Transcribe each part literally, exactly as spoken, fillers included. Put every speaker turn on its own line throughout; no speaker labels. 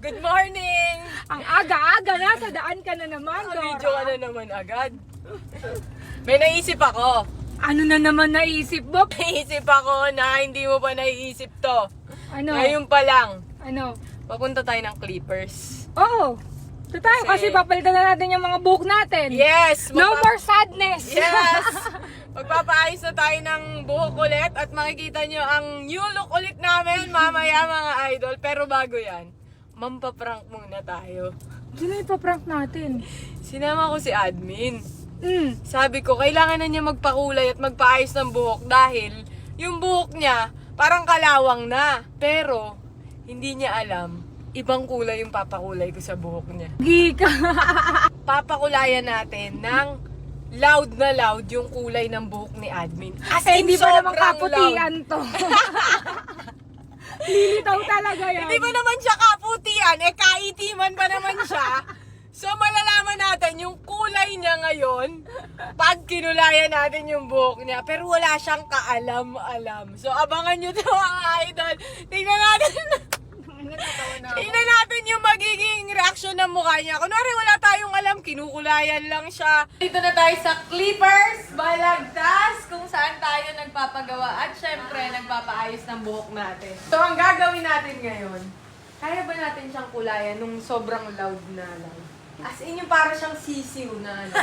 Good morning!
Ang aga-aga na, sa daan ka na naman, Dora.
Video ka na naman agad. May naisip ako.
Ano na naman naisip mo?
Naisip ako na hindi mo pa naiisip to.
Ano?
Ngayon pa lang,
Ano?
papunta tayo ng Clippers.
Oo. Ito tayo kasi,
Kasi-
papalitan na natin yung mga buhok natin.
Yes!
No
magpa-
more sadness!
Yes! Magpapaayos na tayo ng buhok ulit at makikita nyo ang new look ulit namin mamaya mga idol. Pero bago yan, mampaprank muna tayo.
Sino ipaprank natin?
Sinama ko si admin.
Mm.
Sabi ko, kailangan na niya magpakulay at magpaayos ng buhok dahil yung buhok niya parang kalawang na. Pero, hindi niya alam, ibang kulay yung papakulay ko sa buhok niya.
Gika.
Papakulayan natin ng loud na loud yung kulay ng buhok ni admin. As
Eh,
in,
hindi pa naman
sobrang
kaputian
loud.
to. Lilitaw talaga yan.
Hindi ba naman siya kaputian? Eh, kaitiman pa naman siya. So, malalaman natin yung kulay niya ngayon pag kinulayan natin yung buhok niya. Pero wala siyang kaalam-alam. So, abangan nyo to mga idol. Tingnan natin. Tingnan natin yung magiging reaction ng mukha niya. Kunwari wala tayong alam, kinukulayan lang siya. Dito na tayo sa Clippers, Balagtas, kung saan tayo nagpapagawa at syempre nagpapaayos ng buhok natin. So ang gagawin natin ngayon, kaya ba natin siyang kulayan nung sobrang loud na loud? As in yung para siyang sisiw na ano.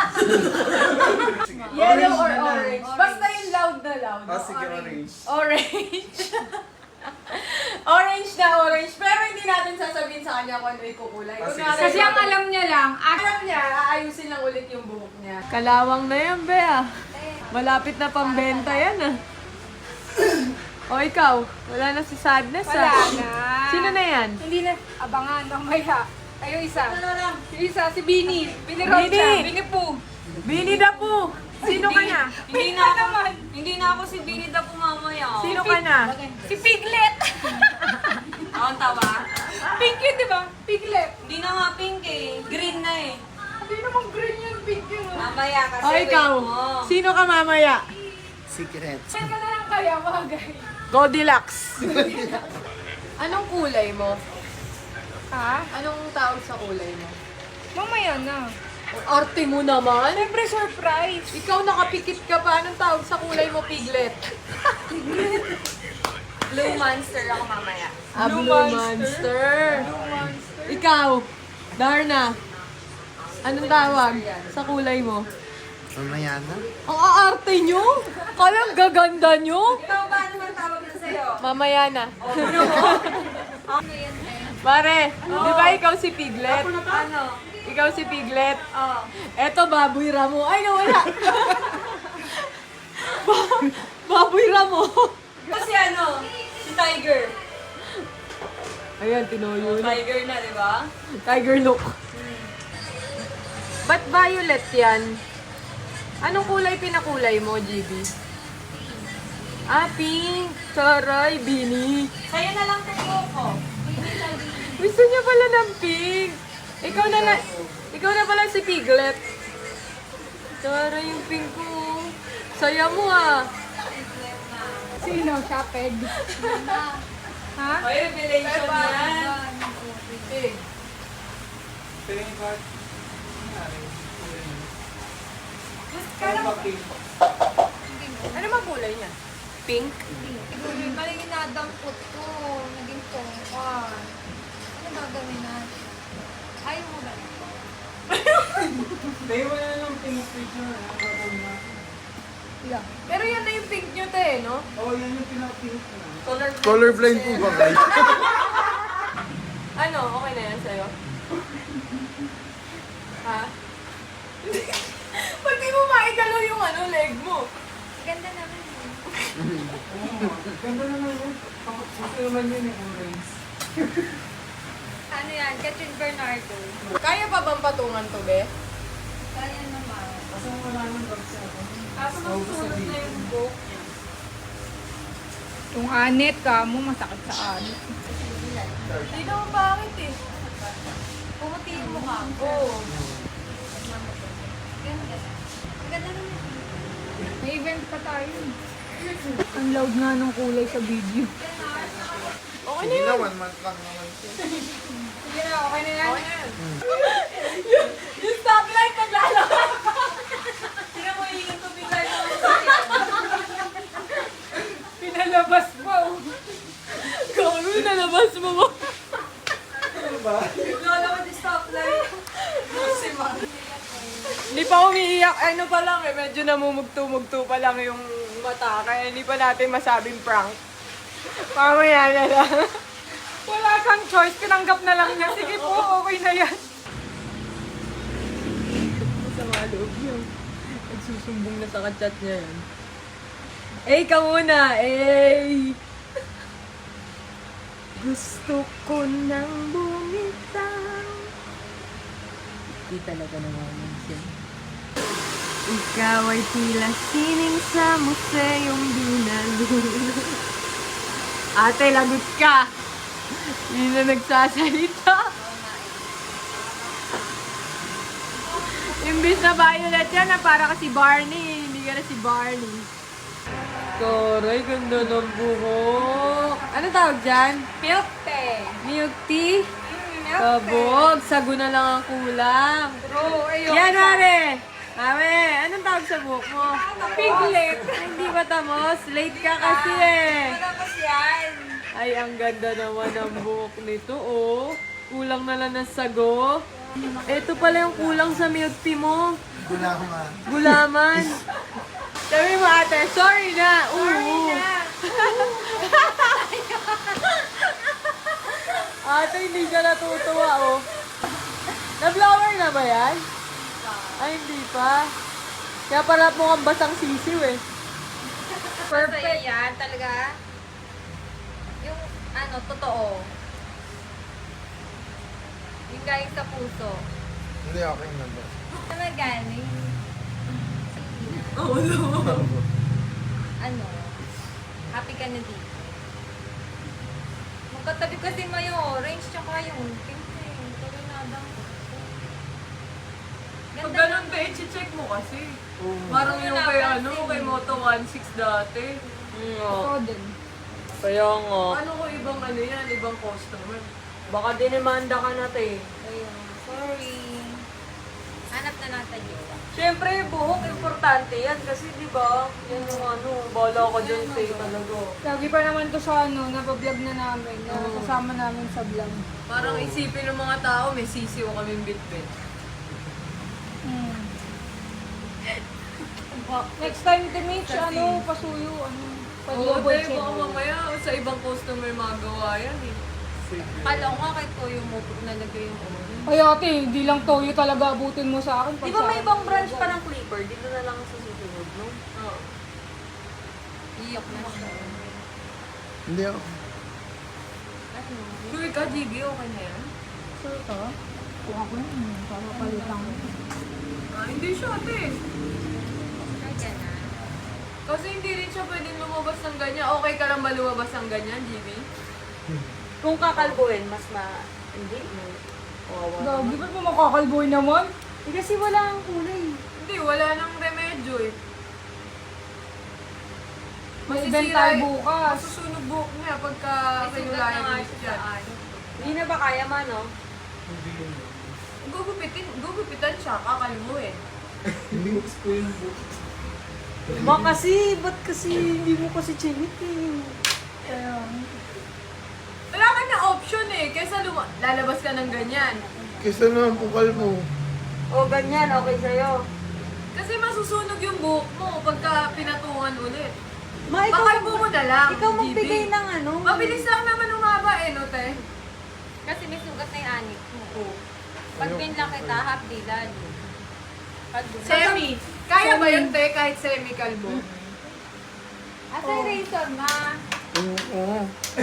Yellow or orange? Basta yung loud na loud.
Ah, sige, orange.
Orange. Orange na orange. Pero hindi natin sasabihin sa kanya kung ano ikukulay.
Ah, sige,
Kunwari,
Kasi ang alam niya lang, ah,
alam niya, aayusin lang ulit yung buhok niya. Kalawang na yan, Bea. Malapit na pambenta yan, ah. O ikaw, wala na si Sadness,
wala
ah.
na.
Sino na yan?
Hindi na, abangan, mamaya. Kayo isa. Yung isa, si Bini. Bini Rocha.
Bini.
Bini Poo.
Bini Dapu. Sino ka na?
Hindi na ako, hindi na ako si Binida po mamaya.
Sino ka na?
Si Piglet.
Ako ang tawa.
Pink yun, di ba? Piglet.
Hindi na nga pink eh. Green na eh.
Hindi naman green yun, pink yun. oh.
Mamaya kasi
O ikaw,
wait mo.
sino ka mamaya?
Secret.
Saan ka na lang kaya, bagay?
Goldilocks. Anong kulay mo?
Ha?
Anong tawag sa kulay mo?
Mamaya na.
Ang arte mo naman.
Siyempre, surprise.
Ikaw nakapikit ka pa. Anong tawag sa kulay mo, Piglet?
Blue monster ako mamaya.
Ah,
Blue
Blue
Monster.
Monster. Ikaw, Darna. Anong tawag sa kulay mo?
Mamaya na.
Ang aarte nyo? Kalang gaganda nyo?
Ikaw ba naman tawag na sa'yo?
Mamaya na.
Ano yan eh?
Pare, di ba ikaw si Piglet?
Ano?
Ikaw si Piglet.
Oh.
Eto, Baboy Ramo. Ay, nawala. Ba- Baboy Ramo.
Kasi ano? Si Tiger.
Ayan, tinoyo na.
Tiger na, di ba?
Tiger look. Ba't violet yan? Anong kulay pinakulay mo, G B? Ah, pink. Saray, Bini.
Sa'yo na lang tayo ko.
Gusto niya pala ng pink. Ikaw na na, ikaw na pala si Piglet. Saray yung pink ko. Saya mo ah.
Sino? Siya, Peg. Ha?
Ay, revelation yan.
Eh, ano bang kulay niya? Pink?
Siguro, maling inadampot ko. Naging tongkol. Ano gagawin natin? Ayaw mo ba?
Yeah.
Pero yan na yung pink nyo, te, no?
Color
Colorblind po ba kayo?
Ano, okay na yan sa'yo? Ha? Ba't di mo maigalaw yung ano, leg mo?
Ganda naman yun. Ano yan? Catherine Bernardo.
Kaya pa bang patungan to, be?
Kaya naman.
Kaso masusunod na yung book niya.
Yung anit ka mo, masakit sa anit.
Hindi naman bakit eh.
Pumuti yung mukha ko.
Oo.
Ganda. Ang ganda naman.
May event pa tayo. Ang loud nga ng kulay sa video.
Okay na
Sige
yun.
na, one month lang naman siya.
Sige na, okay na yan.
yung, yung stoplight naglalakad.
Sino mo yung tubig tayo?
Pinalabas mo.
Kami, nalabas mo mo.
Lola ko di stoplight.
Hindi pa umiiyak. Ano pa lang eh, medyo namumugto-mugto pa lang yung mata. Kaya hindi pa natin masabing prank. Mamaya na lang.
Wala kang choice, tinanggap na lang niya. Sige po, okay na yan.
Sa mga loob niyo. Nagsusumbong na sa kachat niya yan. Eh, ka muna! Eh! Gusto ko nang bumitaw. Di talaga naman siya. Ikaw ay tila sining sa museyong binalulog. Ate, lagot ka! Hindi na nagsasalita. Imbis na violet yan, na para ka si Barney. Hindi ka na si Barney. Taray, ganda ng buhok. Ano tawag dyan?
Milk tea.
Milk tea? Kabog, sago na lang ang kulang.
Bro, ayun.
Yan, Mare! Mame, anong tawag sa buhok mo?
Piglet.
Hindi ba tamos? Late ka kasi eh.
Tapos yan.
Ay, ang ganda naman ng buhok nito, oh. Kulang na lang ng sago. Ito pala yung kulang sa milk tea mo.
Gula ko nga.
Gulaman. Sabi mo, ate, sorry na. Sorry na. Ate, hindi ka natutuwa, oh. Na-blower na ba yan? Ay, hindi pa. Kaya pala mukhang basang sisiw, eh.
Perfect yan, talaga. Yung, ano, totoo. Yung galing sa puso.
Hindi, okay na ba?
Ano galing?
Oh, no.
Ano? Happy ka na dito. Magkatabi kasi mo yung orange tsaka yung pink eh. Tuloy na adang puso.
Pag
Ganda
ganun,
naman.
be, i-check mo kasi. Parang yung kay, ano, kay Moto one six dati.
Ito din.
Kaya nga. Ano ko ibang ano yan, ibang customer? Baka dinimanda ka na, te.
Ayun, sorry. Hanap na natin yun.
Siyempre, buhok, importante yan. Kasi, di ba, yan yung ano, bala ka dyan, te, talaga.
Lagi pa naman to sa ano, napablog na namin, na kasama namin sa vlog.
Parang isipin ng mga tao, may sisiw kaming bit-bit.
Hmm. Next time to meet,
Kasi-
ano, pasuyo, ano,
Oo,
pag-double
te,
check.
baka mamaya sa ibang customer magawa yan, eh.
Kala ko nga kay Toyo mo nalagay yung orange.
Ay ate, hindi lang toyo talaga abutin mo sa akin.
Di ba may ibang branch pa ng Clipper? Dito na lang sa susunod, no?
Oo.
Iyok na siya.
Hindi ako.
Ano?
Sure ka, G B, okay na yan?
Sure ka? Kuha ko yun, para palitan ko.
Ah, hindi siya, te.
Sure ka na.
Kasi hindi rin siya pwedeng lumabas ng ganyan. Okay ka lang ba lumabas ng ganyan, G B?
Kung kakalbuhin, mas ma... Hindi, no? Kawawa
Gagi,
naman.
ba't mo makakalboy naman?
Eh, kasi wala ang kulay.
Hindi, wala nang remedyo eh.
May
Masisira
event tayo
eh.
bukas.
Masusunog buhok niya pagka
May sugat
pinulayan
na nga
ulit
siya
yan.
sa ano.
Hindi na ba kaya man, no?
Gugupitin, gugupitan siya, kakalmuhin.
Links ko yung book.
Ma kasi, ba't kasi hindi mo kasi chinitin?
Kaya,
Wala ka na option eh, kaysa luma- lalabas ka ng ganyan.
Kesa naman pukal mo.
O, ganyan, okay sa'yo.
Kasi masusunog yung buhok mo pagka pinatungan ulit.
Ma, ikaw,
Pakalbo mo na lang,
ikaw
G B.
magbigay ng ano.
Mabilis lang naman umaba eh, no, te?
Kasi may sugat na yung anik mo. Pag binla kita, half day lalo. Pag
Semi. Kaya ba yun, te, kahit semi-kalbo?
Asa yung razor, ma?
Oo. oo.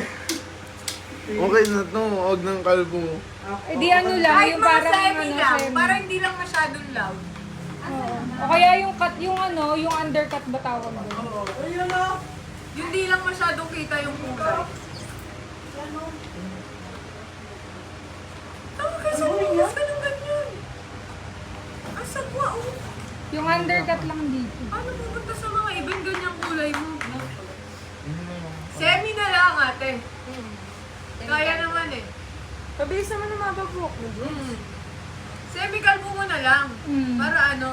Okay na to. Huwag ng kalbo.
eh di ano lang,
Kahit
yung
mga
parang
semi
ano,
lang,
semi.
para hindi lang masyadong loud.
Oo. O kaya yung cut, yung ano, yung undercut ba tawag doon?
Ayun na. Yung di lang masyadong kita yung kulay. Tama ka sa bukas ka ng ganyan. Ang sagwa, oh.
Yung undercut lang dito.
Ano pupunta sa mga ibang ganyang kulay mo? Semi na lang, ate. Kaya naman eh.
Mabilis naman ang mababok mo, Jim.
Mm. Semi-kalbo mo na lang.
Mm.
Para ano?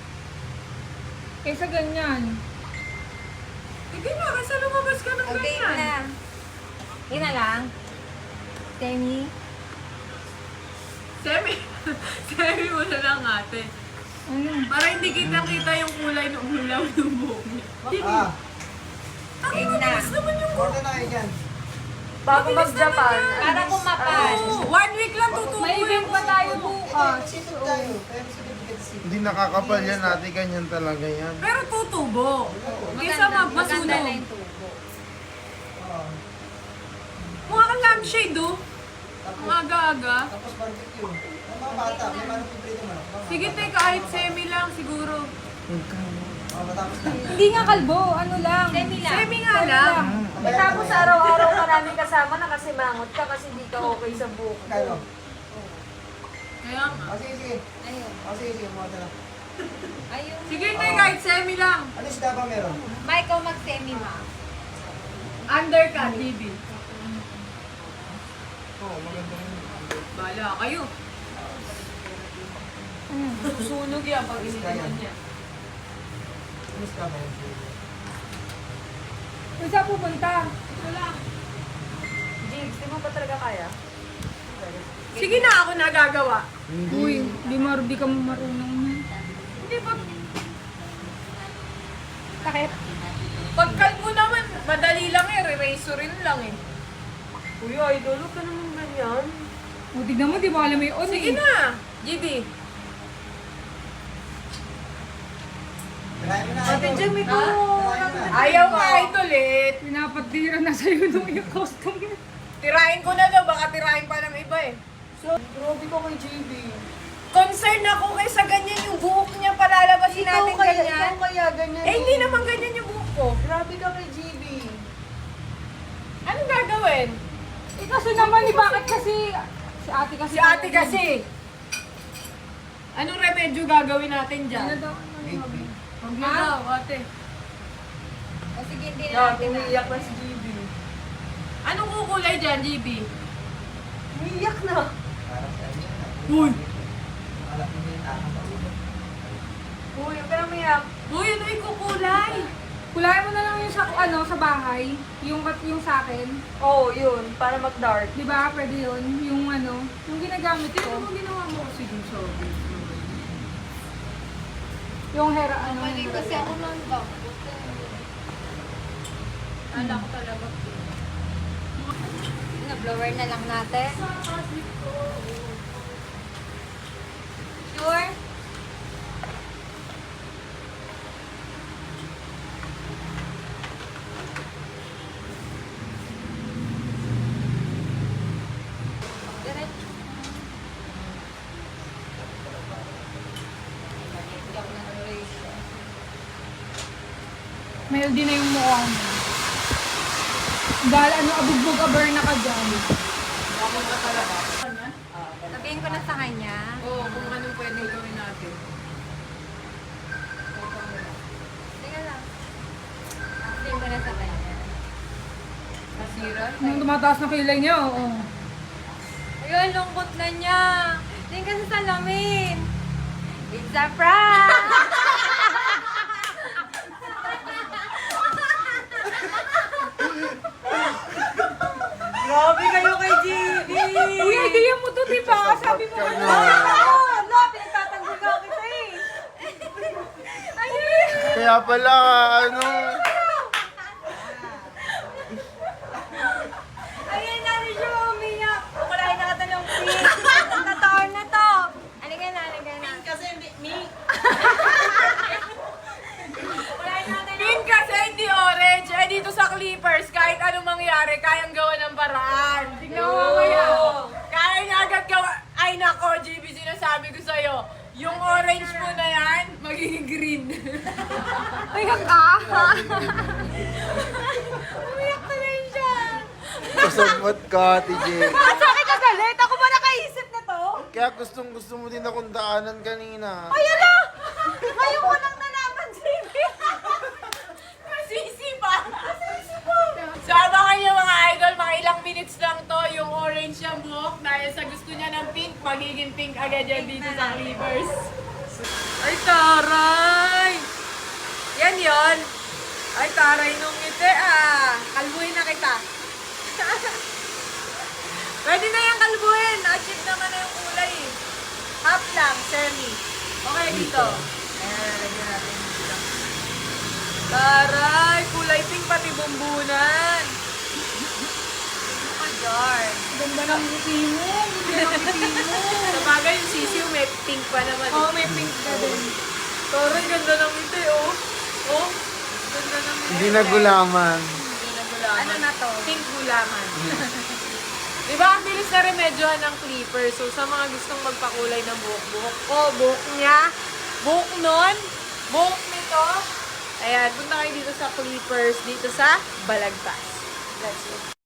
Kaysa ganyan.
Sige na, kasi lumabas ka ng
Okay
ganyan.
na. Yun na lang. Temi.
Semi. Semi mo na lang ate.
Ano?
Para hindi kita-kita yung kulay ng ulaw ng buhok niya.
Ah,
Ang
Game na.
mabilis naman yung buhok.
order na kayo dyan.
Bago
Mabilis
mag-Japan.
naman yan.
Para kumapal.
Oo, one week lang tutubo
May event
yung
pa tayo
buhok.
bukas.
Hindi nakakapal yan ate, ganyan talaga yan.
Pero tutubo. Kaysa ma-
Maganda
masunog.
na yung tubo.
Mukha kang lampshade, oh. Ang aga-aga.
Tapos barbecue. Ang mga bata, may manok yung prito manok.
Sige, te, kahit semi lang siguro.
Oh, matapos na.
Hindi nga kalbo, ano lang.
Temi lang.
Semi nga lang.
Eh, tapos araw-araw ka namin kasama na kasi mangot ka kasi di ka okay sa buhok.
Kalo.
Kaya nga.
O sige, sige.
Ayun.
O sige, sige. Mga na.
Ayun.
Sige, te, kahit semi lang.
Ano isda ba meron?
Mike, ikaw mag-semi ma.
Undercut, baby.
Oo, maganda yun.
Bala kayo. Susunog yan pag initin niya.
Ano isda ba yun?
Kung saan pupunta?
Wala.
Jigs, di mo ba talaga kaya?
Sige na, ako nagagawa.
Uy, di, mar di ka marunong na.
Hindi ba?
Takip.
Pagkalbo naman, madali lang eh. Re-razorin lang eh.
Kuya, idol, huwag ka naman ganyan.
O, tignan mo, di ba alam mo yung on
Sige
eh.
na, G B.
Kirahin mo na.
Ate Jim, ito.
Ayaw ka idol eh.
Pinapatira na sa'yo nung yung costume.
Tirahin ko na daw, baka tirahin pa ng iba eh.
Grabe ka kay J B.
Concern ako kaysa ganyan yung buhok niya, palalabasin
Ikaw
natin
kaya,
ganyan.
ikaw kaya ganyan.
Eh, hindi naman ganyan yung buhok ko.
Grabe ka kay J B.
Anong gagawin?
Eh, kasi naman, eh, bakit kasi... Si ate kasi...
Si ate kasi. Anong remedyo gagawin natin
Ano
dyan?
daw?
Huwag na daw, ate.
O sige, hindi na
Na,
natin na.
umiiyak na si J B.
Anong kukulay dyan, G B?
Umiiyak na.
Parang sa inyo.
Uy!
Alam mo yung takang pag-ulo.
Uy, huwag ka na umiiyak.
Uy, ano yung kukulay?
Kulayan mo na lang yung sa, ano, sa bahay. Yung, yung sa akin.
Oo, oh, yun. Para mag-dark.
Di ba? Pwede yun. Yung ano, yung ginagamit
Ito
ko.
mo ginawa mo kasi dun sa
Yung hair, ano.
Mali kasi ako ng dam.
Kala ko talaga.
Na blower na lang natin. Sure? Diretso.
May L D na yung mukha mo. Dahil ano, abugbog aber na ka dyan.
Sabihin ko na sa kanya.
Oo, kung anong pwede gawin natin.
Tingnan lang. Sabihin ko na sa kanya.
Nasira?
Nung tumataas na kilay niya, oo.
Ayun, lungkot na niya. Tingnan ka sa salamin. It's a prank!
Grabe kayo kay J B.
Uy, idea mo to, di ba? Sabi mo,
Ka na.
Oo, la, pinagtatanggol nga kita eh.
Kaya pala, ano,
Ayun na rin siya umiyak. Kukulain na kita ng pink. Totoo na to.
Halika na, halika na.
Kasi hindi, me. Kukulain natin ng
Pink kasi hindi orange. Eh dito sa Clippers, kahit anong mangyari, kayang gawa ng paraan. Tignan mo mamaya. Kaya niya agad gawa. Ay nako, G B, sinasabi ko sa'yo. Yung orange mo na yan, magiging green.
ay, ka!
Umiyak na rin siya.
kasabot ka, T J.
Sa akin ka galit? Ako ba nakaisip na to?
Kaya gustong gusto mo din akong daanan kanina.
Ay, ala! Ngayon ko lang nalaman, J B.
Masisi pa. Masisi pa. So abangan niyo mga idol, mga ilang minutes lang to yung orange yung buhok dahil sa gusto niya ng pink, magiging pink agad yan dito sa Clippers. Ay, taray! Yan yon. Ay, taray nung ngiti ah. Kalbuhin na kita. Pwede na yung kalbuhin. Na-achieve naman na yung kulay eh. Half lang, semi. Okay, dito. Ayan, lagyan natin dito. Taray, kulay pink pati bumbunan. Oh, darn.
Ganda ng ngiti mo. Ganda ng ngiti mo.
Sa bagay, yung sisiw may pink pa naman.
Oo, may pink ka din.
Taray, ganda ng ngiti, oh. Oh, ganda ng ngiti.
Hindi nagulaman.
Hindi na gulaman.
Ano na to?
Pink gulaman. Diba, ang bilis na remedyohan ng clipper. So, sa mga gustong magpakulay ng buhok-buhok ko, buhok niya, buhok nun, buhok nito, ayan, punta kayo dito sa Clippers, dito sa Balagtas. That's it.